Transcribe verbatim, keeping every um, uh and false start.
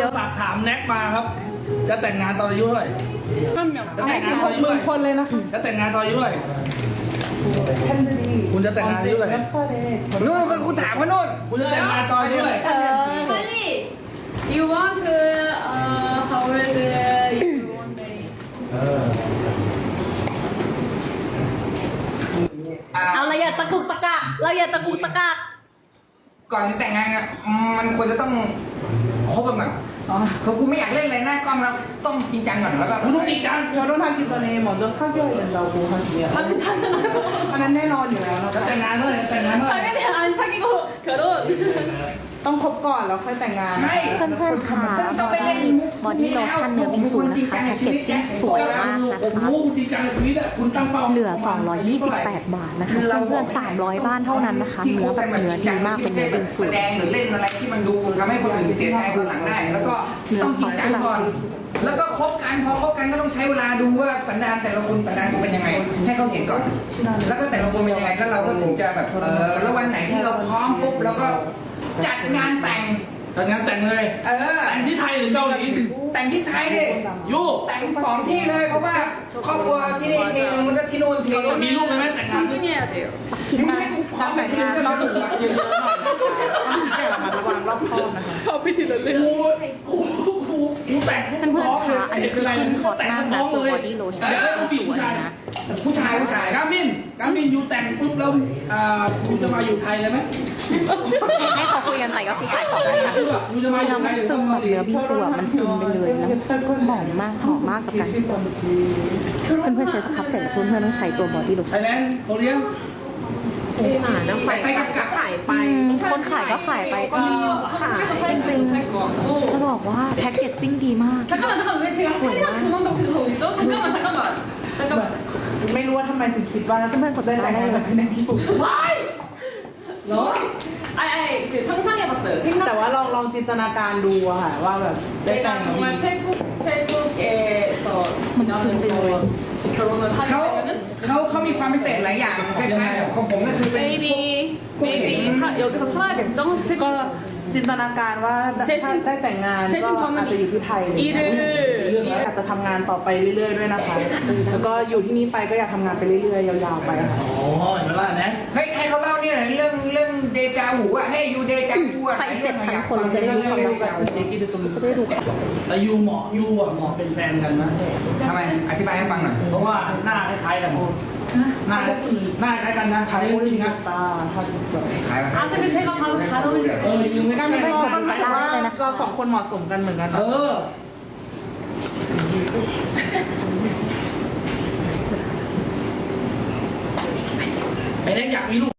ฝากถามแน็กมาครับจะแต่งงานตอนอายุเท่าไหร่จะแต่งงานตอนอายุเท่าไหร่คนเลยนะคะจะแต่งงานตอนอายุเท่าไหร่คุณจะแต่งงานอายุเท่าไหร่นู่นคุณถามเขาโน่นคุณจะแต่งงานตอนอายุเท่าไหร่ Charlie you want uh how old you want marry เอาเราอย่าตะกุกตะกักเราอย่าตะกุกตะกักก่อนจะแต่งงานอ่ะมันควรจะต้องคบกันแบบเขากูไม่อยากเล่นอะไรหน้ากล้องแล้วต้องจริงจังก่อนแล้วก็คุณต้องจริงจังอันนั้นแน่นอนอยู่แล้วนะจะแต่งงานเมื่อไหร่แต่งงานเมื่อไหร่ 당연히 안 사귀고 결혼 ต้องคบก่อนแล้วค่อยแต่งงานใช่เพื่อนๆค่ะต้องไปเล่นมุกบอดี้โลชั่นเนื้อบิงซูนะคะแพ็กเกจจิ้งสวยมากนะผมคะรู้คุณจริงจังในชีวิตอะคุณตั้งเป้าเหลือ สองร้อยยี่สิบแปด บาทนะคะ เพื่อนๆสามร้อยบ้านเท่านั้นนะคะ เนื้อแบบเนื้อดีมากเป็นเนื้อบิงซูแสดงหรือเล่นอะไรที่มันดูทำให้คนอื่นเสียใจคนหลังได้ แล้วก็ต้องจริงจังก่อน แล้วก็คบกันพอคบกันก็ต้องใช้เวลาดูว่าสันดานแต่ละคนสันดานเขาเป็นยังไง ให้เขาเห็นก่อน แล้วก็แต่ละคนเป็นยังไงแล้วเราก็ถึงจะแบบเออแล้ววันไหนที่เราพร้อมปุ๊บเราก็จัดงานแต่งแต่งงานแต่งเลยเออแต่งที่ไทยหรือเกาหลีแต่งที่ไทยดิยูแต่งสองที่เลยเพราะว่าครอบครัวที่นี่ทีนึงแล้วก็ที่นู่นทีนึงมีลูกไหมแต่งงาน 신중해야 돼요 ไม่ให้กูพร้อมแบบนี้ก็ต้องดูเยอะๆหน่อยนะคะต้องแค่ระมัดระวังรอบคอบนะคะกูกูกูกูแต่งเพื่อนๆค่ะอันนี้คือขึ้นฮอตมากนะตัวบอดี้โลชั่นผู้หญิงสผู้วยชายนะผู้ชายผู้ชายกามินกามินยูแต่งปุ๊บแล้วอ่าคุณจะมาอยู่ไทยเลยไหมให้เขาคุยกันไปก็คือขายของนะคะยูจะมาอแล้ยู่วไทมันยหรือซึมเกาแบบหลีเนื้อบิงซูอะมันซึมไปเลยแล้วหอมมากหอมมากกับกันเพื่อนๆใช้สครับเสร็จแล้วเพื่อนๆต้องใช้ตัวบอดี้โลไทชั่นยแลนด์โคเรียนสงสารนะไปไปกับกับขายไปคนขายก็ขายไปก็ขายจริงๆจะบอกว่าแพ็กเกจจิ้งดีมาก 잠깐만 잠깐만 왜 제가 살이랑 도망가고 지금 저기 있죠? 잠깐만 잠깐만 잠깐만 ไม่รู้ว่าทำไมถึงคิดว่าเพื่อนๆกดได้ได้แต่งได้งานเลกับยพี่แน็กพี่ปุ๊บเหรอ 아니 아니 그 상상해봤어요 แต่ 생각 ว่าลองลองจินตนาการดูอะค่ะว่าแบบได้แต่ง 내가 정말 태국 태국에서 그냥 결혼을 하게 เขา 되면은 เขาเขามีความพิเศษหลายอย่างคล้ายๆของผมก็คือเป็น maybe maybe 사, 여기서 살아야겠죠? ก็จินตนาการว่าถ้าได้แต่งงานก็อาจจะอยู่ที่ไทยอะไรอย่างเงี้ย 일을 อยากจะทำงานต่อไปเรื่อยๆด้วยนะคะ แล้วก็อยู่ที่นี่ไปก็อยากทำงานไปเรื่อยๆยาวๆไปค่ะอ๋อเห็นไหมล่ะนะเฮ้ยให้เขาเล่าเนี่ยเรื่องเรื่องเดจาหูอะให้ยูเดจาหูอะไปเจ็ดพันคนเราจะได้รู้ความรักกันจะได้รู้แล้วยูเหมาะยูอ่ะเหมาะเป็นแฟนกันนะทำไมอธิบายให้ฟังหน่อยเพราะว่าหน้าคล้ายๆกันหน้าหน้าคล้ายกันนะคล้ายจริงนะตาทาสวยขายมา 아 근데 제가 바로 잘 เอ 어울려요 อยูไม่ก็ได้ไม่ไม่ได้ได้หมายถึงว่าเราสองคนเหมาะสมกันเหมือนกันเออไอ้เล็กอยากมีลูก